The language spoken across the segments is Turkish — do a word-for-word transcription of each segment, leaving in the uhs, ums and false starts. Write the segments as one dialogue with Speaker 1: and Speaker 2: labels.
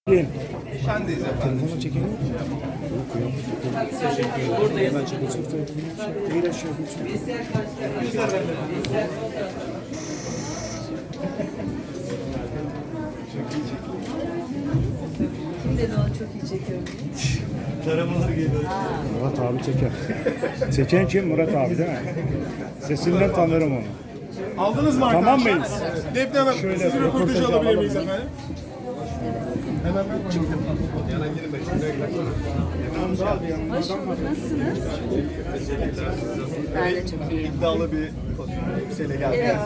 Speaker 1: Şendeyiz efendim.
Speaker 2: Telefonu çekelim mi? Teşekkür ederim. Buradayız. Ben çekeceğim. Değil aşağı geçiyor.
Speaker 3: Kim dedi onu çok iyi çekiyorum?
Speaker 1: Taramalar geliyor.
Speaker 2: Murat abi çeker. Çeken kim? Murat abi değil mi? Sesinden tanırım onu.
Speaker 1: Aldınız mı
Speaker 2: Tamam
Speaker 1: arkadaşlar?
Speaker 2: mıyız?
Speaker 1: Defne Hanım,
Speaker 2: Şöyle
Speaker 1: sizin röportajı
Speaker 2: röportajı
Speaker 1: alabilir
Speaker 2: alalım.
Speaker 1: miyiz efendim? Hemen ben çıktım. Yana girme.
Speaker 3: Hoş bulduk. Nasılsınız? Ben de çok iyiyim.
Speaker 1: İddialı bir elbiseyle geldi.
Speaker 3: Evet.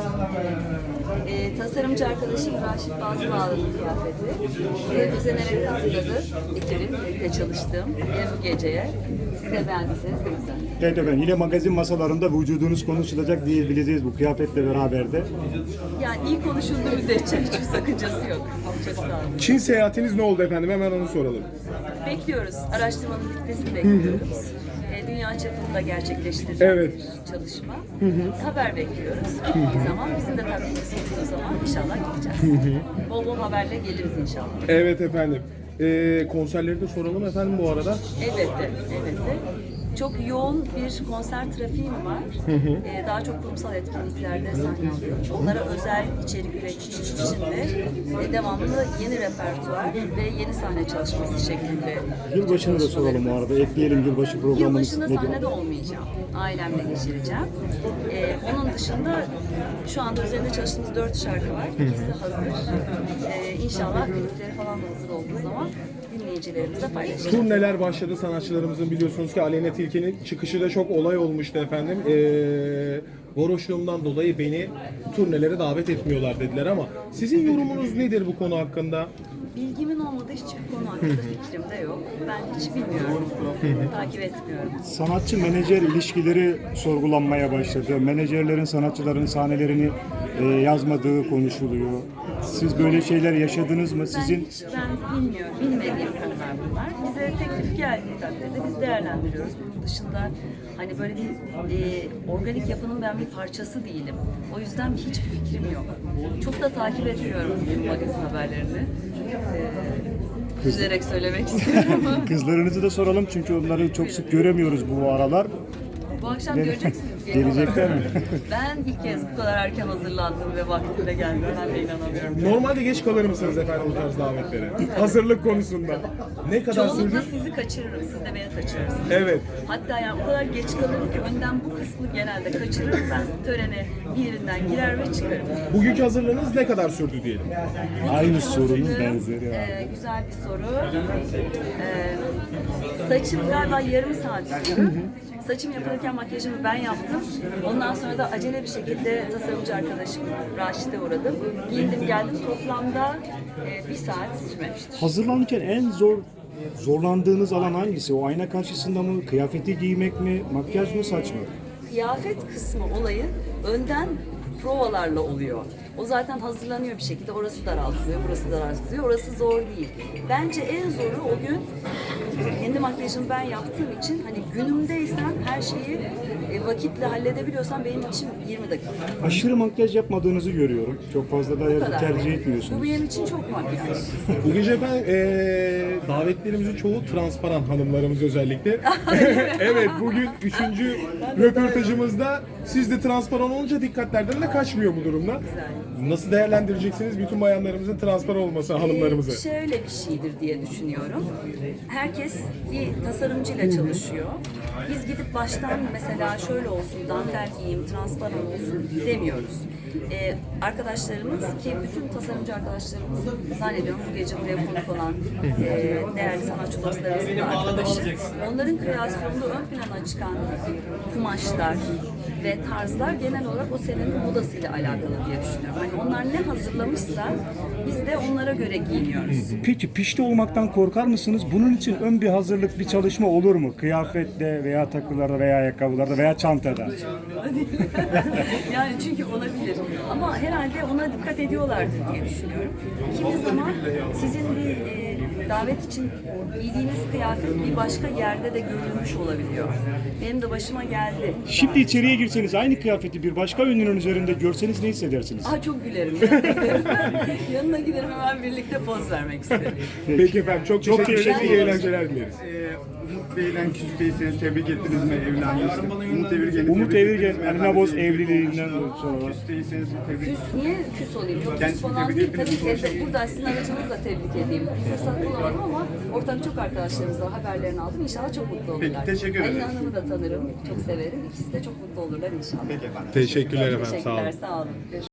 Speaker 3: Ee, tasarımcı arkadaşım Raşit Bazı bağladı kıyafeti. Ee, düzenerek hazırladı. Ekibim, birlikte çalıştım. Ee, bu geceye. Siz de beğendiyseniz ne güzel.
Speaker 2: Evet efendim, yine magazin masalarında vücudunuz konuşulacak diyebileceğiz bu kıyafetle beraber de.
Speaker 3: Yani iyi konuşulduğu müddetçe hiçbir sakıncası yok. Çok sağ olun.
Speaker 1: Çin seyahatiniz ne oldu efendim? Hemen onu soralım.
Speaker 3: Bekliyoruz. Araştırmanın bitmesini bekliyoruz. Ee, dünya çapında gerçekleştirilecek
Speaker 1: Evet.
Speaker 3: bir çalışma. Haber bekliyoruz. Bittiği zaman bizim de tabii olduğu zaman inşallah gideceğiz. Bol bol haberle geliriz inşallah.
Speaker 1: Evet efendim. Ee, konserleri de soralım efendim bu arada.
Speaker 3: Elbette, elbette. Çok yoğun bir konser trafiğim var. Ee, daha çok kurumsal etkinliklerde sahne alıyorum. Onlara özel içerik ürettiğim için de e, devamlı yeni repertuar ve yeni sahne çalışması şeklinde.
Speaker 2: Yılbaşını da soralım bu arada. Ekleyelim yılbaşı programımız
Speaker 3: Yılbaşında
Speaker 2: nedir?
Speaker 3: sahnede olmayacağım. Ailemle geçireceğim. Ee, onun dışında şu anda üzerinde çalıştığımız dört şarkı var. İkisi hazır. Ee, inşallah klipleri falan da hazır olduğu zaman dinleyicilerimizle paylaşacağız.
Speaker 1: Turneler başladı sanatçılarımızın, biliyorsunuz ki Aleyna Tilki'nin çıkışı da çok olay olmuştu efendim. Ee, varoşluğumdan dolayı beni turnelere davet etmiyorlar dediler ama sizin yorumunuz nedir bu konu hakkında?
Speaker 3: Bilgimin olmadığı hiçbir konu hakkında fikrim de yok. Ben hiç bilmiyorum. Takip etmiyorum.
Speaker 2: Sanatçı menajer ilişkileri sorgulanmaya başladı. Menajerlerin sanatçıların sahnelerini e, yazmadığı konuşuluyor. Siz böyle şeyler yaşadınız mı?
Speaker 3: Ben
Speaker 2: Sizin
Speaker 3: hiç ben bilmiyorum. Bilmediğim konular bunlar. Bize teklif geldiği takdirde biz değerlendiriyoruz. Bunun dışında hani böyle bir e, organik yapının ben bir parçası değilim. O yüzden hiçbir fikrim yok. Çok da takip etmiyorum bu magazin haberlerini. Ee, üzülerek söylemek istiyorum ama
Speaker 2: kızlarınızı da soralım çünkü onları çok sık göremiyoruz bu aralar.
Speaker 3: bu akşam
Speaker 2: Gel-
Speaker 3: göreceksiniz. genel
Speaker 2: Gelecekler
Speaker 3: olarak.
Speaker 2: mi?
Speaker 3: Ben ilk kez bu kadar erken hazırlandım ve vaktinde geldim. Ben de inanamıyorum.
Speaker 1: Normalde geç kalır mısınız efendim bu tarz davetlere? Hazırlık konusunda. Ne kadar
Speaker 3: Çoğunlukla
Speaker 1: sürdü?
Speaker 3: sizi kaçırırım, siz de beni kaçırırsınız.
Speaker 1: Evet.
Speaker 3: Hatta yani o kadar geç kalırım ki önden bu kısmı genelde kaçırırım. Ben törene bir yerinden girer ve çıkarım.
Speaker 1: Bugünkü hazırlığınız ne kadar sürdü diyelim?
Speaker 2: Aynı sorunun
Speaker 3: Hazırlığım,
Speaker 2: benzeri ya.
Speaker 3: e, güzel bir soru. E, saçım galiba yarım saat sürdü. Saçım yapılırken makyajımı ben yaptım. Ondan sonra da acele bir şekilde tasarımcı arkadaşım Raşit'e uğradım. Giyindim geldim. Toplamda e, bir saat sürmemiştir.
Speaker 2: Hazırlanırken en zor zorlandığınız alan hangisi? O ayna karşısında mı? Kıyafeti giymek mi? Makyaj mı? Saç mı?
Speaker 3: Kıyafet kısmı olayı önden provalarla oluyor. O zaten hazırlanıyor bir şekilde. Orası daraltılıyor, burası daraltılıyor. Orası zor değil. Bence en zoru o gün kendi makyajımı ben yaptığım için hani günümdeysen her şeyi e, vakitle halledebiliyorsan benim için yirmi dakika.
Speaker 2: Aşırı makyaj yapmadığınızı görüyorum. Çok fazla
Speaker 3: Bu
Speaker 2: da
Speaker 3: kadar.
Speaker 2: tercih
Speaker 3: Bu
Speaker 2: etmiyorsunuz.
Speaker 3: benim için çok makyaj.
Speaker 1: Bu gece efendim eee davetlerimizin çoğu transparan, hanımlarımız özellikle. Evet, bugün üçüncü röportajımızda siz de transparan olunca dikkatlerden de kaçmıyor bu durumda.
Speaker 3: Güzel.
Speaker 1: Nasıl değerlendireceksiniz bütün bayanlarımızın transparan olması, hanımlarımızı?
Speaker 3: Ee, şöyle bir şeydir diye düşünüyorum. Herkes bir tasarımcıyla çalışıyor. Biz gidip baştan mesela şöyle olsun, dantel giyeyim, transparan olsun demiyoruz. Ee, arkadaşlarımız ki bütün tasarımcı arkadaşlarımız zannediyorum bu gece buraya konuk olan e, değerli sanatçı dostlarımızın da arkadaşı. Onların kreasyonunda ön plana çıkan kumaşlar ve tarzlar genel olarak o senenin modasıyla alakalı diye düşünüyorum. Yani onlar ne hazırlamışsa biz de onlara göre giyiniyoruz.
Speaker 2: Peki pişti olmaktan korkar mısınız? Bunun için ön bir hazırlık, bir çalışma olur mu? Kıyafette veya takılarda veya ayakkabılarda veya çantada.
Speaker 3: Yani çünkü olabilir. Ama herhalde ona dikkat ediyorlardır diye düşünüyorum. Kimi zaman sizin bir e, davet için giydiğiniz kıyafet bir başka yerde de görülmüş olabiliyor. Benim de başıma geldi.
Speaker 2: Şimdi içeriye girseniz aynı kıyafeti bir başka ünlünün üzerinde görseniz ne hissedersiniz?
Speaker 3: Aa, çok gülerim. Yanına giderim. Yanına giderim, hemen birlikte poz vermek isterim.
Speaker 1: Peki efendim çok,
Speaker 2: Çok
Speaker 1: teşekkür ederiz.
Speaker 2: teşekkür
Speaker 1: İyi
Speaker 2: ederiz.
Speaker 1: eğlenceler dileriz.
Speaker 4: Ee, Umut Bey'le küsteyseniz tebrik ettiniz mi evlendiğinizde? Umut Evirgen'i
Speaker 2: Umut
Speaker 4: tebrik
Speaker 2: Evirgen,
Speaker 4: ettiniz mi?
Speaker 2: Alina
Speaker 4: Efendim,
Speaker 2: Boz
Speaker 4: bir evlilik
Speaker 2: evliliğinden
Speaker 4: olmuştu.
Speaker 2: sonra.
Speaker 4: Küsteyseniz tebrik
Speaker 3: Küs, niye küs olayım? Yok küs
Speaker 4: Kendisini
Speaker 3: falan
Speaker 4: tebrik
Speaker 3: değil.
Speaker 4: ettiniz,
Speaker 3: Tabii ki
Speaker 4: konuşalım.
Speaker 3: evde, burada sizin aracınızla tebrik edeyim. Bir fırsat bulamadım ama ortak çok arkadaşlarımızla haberlerini aldım. İnşallah çok mutlu olurlar.
Speaker 4: Peki, teşekkür
Speaker 3: Alina
Speaker 4: ederiz.
Speaker 3: Hanım'ı da tanırım. Çok severim. İkisi de çok mutlu olurlar inşallah.
Speaker 4: Peki efendim.
Speaker 1: Teşekkürler efendim. Sağ olun.
Speaker 3: Teşekkürler. Sağ olun. Görüşmek